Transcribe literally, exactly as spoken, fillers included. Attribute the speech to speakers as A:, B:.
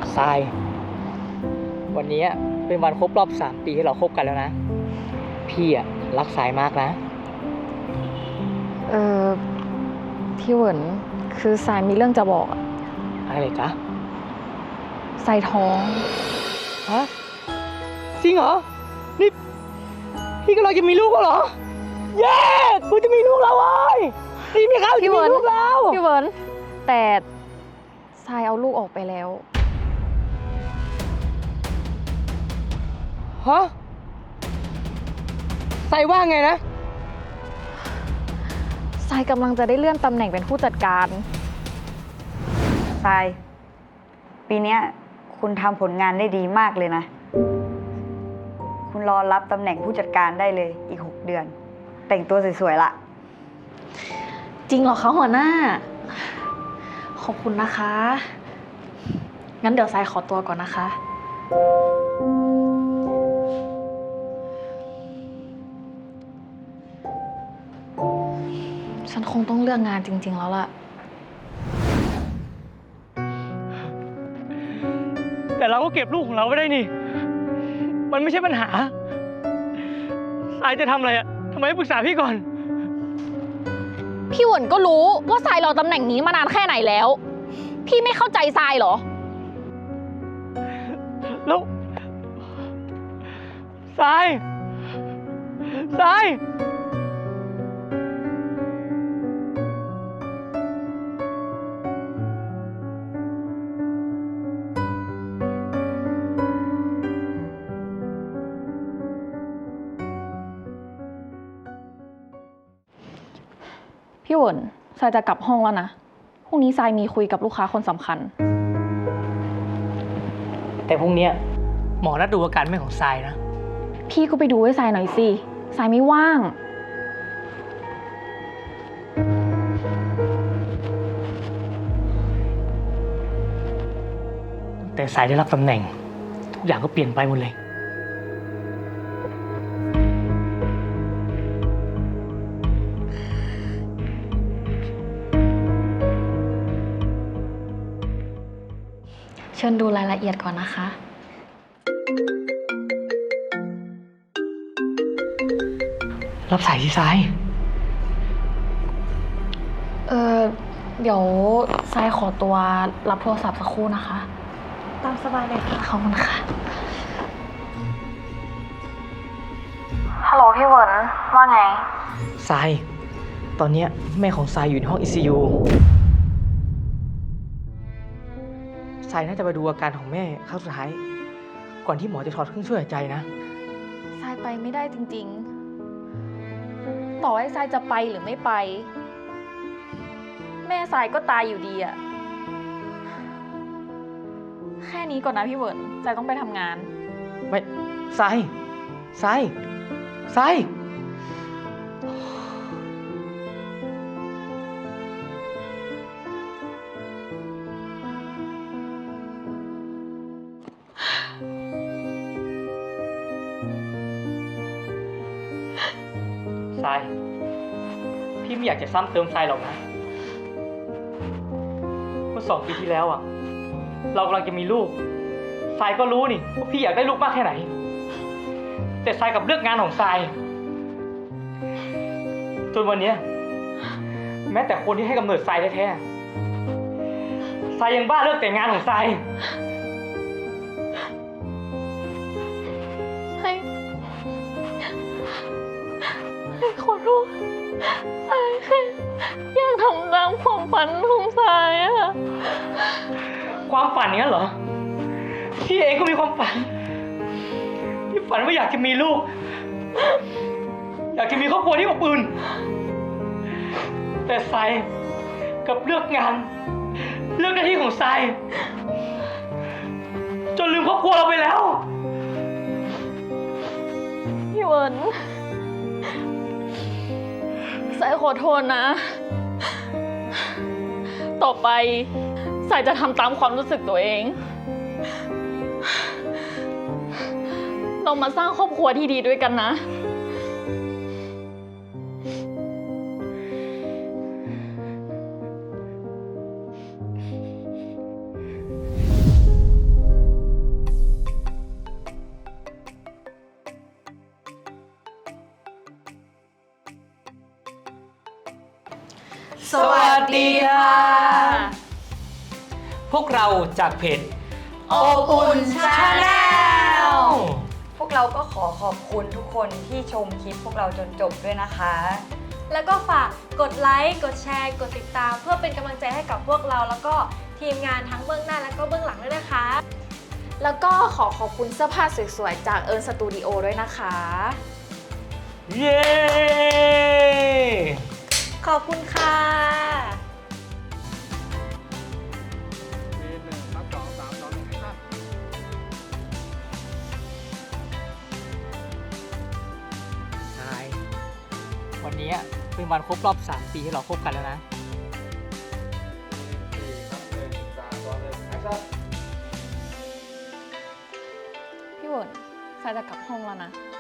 A: ทรายวันนี้เป็นวันครบรอบสามปีที่เราคบกันแล้วนะพี่อะรักทรายมากนะ
B: เออพี่เหวินคือทรายมีเรื่องจะบอกอะ
A: อะไรจ๊ะ
B: ทรายท้อง
A: ฮะจริงเหรอนี่พี่กำลังจะมีลูกแล้วเหรอเย้กูจะมีลูกแล้วเว้ยนี่มีเขาจะมีลูกแล้ว
B: พี่เหวินแต่ทรายเอาลูกออกไปแล้ว
A: ฮะทรายว่าไงนะ
B: ทรายกำลังจะได้เลื่อนตำแหน่งเป็นผู้จัดการ
C: ทรายปีเนี้ยคุณทำผลงานได้ดีมากเลยนะ คุณรอรับตำแหน่งผู้จัดการได้เลยอีกหกเดือน แต่งตัวสวยๆละ
B: จริงเหรอคะหัวหน้า ขอบคุณนะคะ งั้นเดี๋ยวทรายขอตัวก่อนนะคะ ฉันคงต้องเลือกงานจริงๆแล้วล่ะ
A: แต่เราก็เก็บลูกของเราไว้ได้นี่ มันไม่ใช่ปัญหาทรายจะทำอะไรอะทำไมไม่ปรึกษาพี่ก่อน
B: พี่หวนก็รู้ว่าทรายรอตำแหน่งนี้มานานแค่ไหนแล้ว พี่ไม่เข้าใจทรายเหรอ
A: แล้วทรายทราย
B: พี่หวนทรายจะกลับห้องแล้วนะ พรุ่งนี้ทรายมีคุยกับลูกค้าคนสำคัญ
A: แต่พรุ่งนี้หมอนัดดูอาการแม่ของทรายนะ
B: พี่ก็ไปดูให้ทรายหน่อยสิทรายไม่ว่าง
A: แต่ทรายได้รับตำแหน่ง ทุกอย่างก็เปลี่ยนไปหมดเลย
B: เชิญดูรายละเอียดก่อนนะคะ
A: รับสายที่ทราย
B: เออเดี๋ยวทรายขอตัวรับโทรศัพท์สักครู่นะคะ
D: ตามสบายเลยค่ะ
B: ขอบคุณค่ะ ฮัลโหลพี่เวิร์นว่าไง
A: ทราย ตอนเนี้ยแม่ของทรายอยู่ในห้อง ไอ ซี ยู ทรายน่าจะไปดูอาการของแม่ครั้งสุดท้าย ก่อนที่หมอจะถอดเครื่องช่วยหายใจนะ
B: ทรายไปไม่ได้จริงๆ ต่อให้ทรายจะไปหรือไม่ไป แม่ทรายก็ตายอยู่ดีอะแค่นี้ก่อนนะพี่เวิร์นทรายต้องไปทำงาน
A: ไม่ทรายทรายทรายทราย พี่ไม่อยากจะซ้ำเติมทรายหรอกนะเมื่อสองปีที่แล้วอ่ะ เรากำลังจะมีลูกทรายก็รู้นี่ว่าพี่อยากได้ลูกมากแค่ไหน แต่ทรายกับเลือกงานของทรายจนวันเนี้ยแม้แต่คนที่ให้กำเนิดทรายแท้ๆทรายยังบ้าเลิกแต่งงานของทราย
B: ให้ให้ขอโทษทรายแค่อยากทำตามความฝันของทรายอะ
A: ความฝันอย่างนั้นเหรอพี่เองก็มีความฝันพี่ฝันว่าอยากจะมีลูก อยากจะมีครอบครัวที่อบอุ่นแต่ทรายกับเลือกงาน เลือกหน้าที่ของทรายจนลืมครอบครัวเราไปแล้ว
B: พี่เวิร์นทรายขอโทษนะ ต่อไปทรายจะทำตามความรู้สึกตัวเอง เรามาสร้างครอบครัวที่ดีด้วยกันนะดีค่ะ
A: พวกเราจากเพจ
B: อบอุ่นชาแนล
C: พวกเราก็ขอขอบคุณทุกคนที่ชมคลิปพวกเราจนจบด้วยนะคะ
D: แล้วก็ฝากกดไลค์ กดแชร์ กดติดตาม เพื่อเป็นกำลังใจให้กับพวกเรา แล้วก็ทีมงานทั้งเบื้องหน้าและก็เบื้องหลังด้วยนะคะ
B: แล้วก็ขอขอบคุณเสื้อผ้าสวยๆ จากเอิร์นสตูดิโอด้วยนะคะ
A: เย้
D: ขอบคุณค่ะ
A: ใช่วันนี้เป็นวันครบรอบสามปีที่เราคบกันแล้วนะ
B: พี่เวิร์นทรายจะกลับห้องแล้วนะ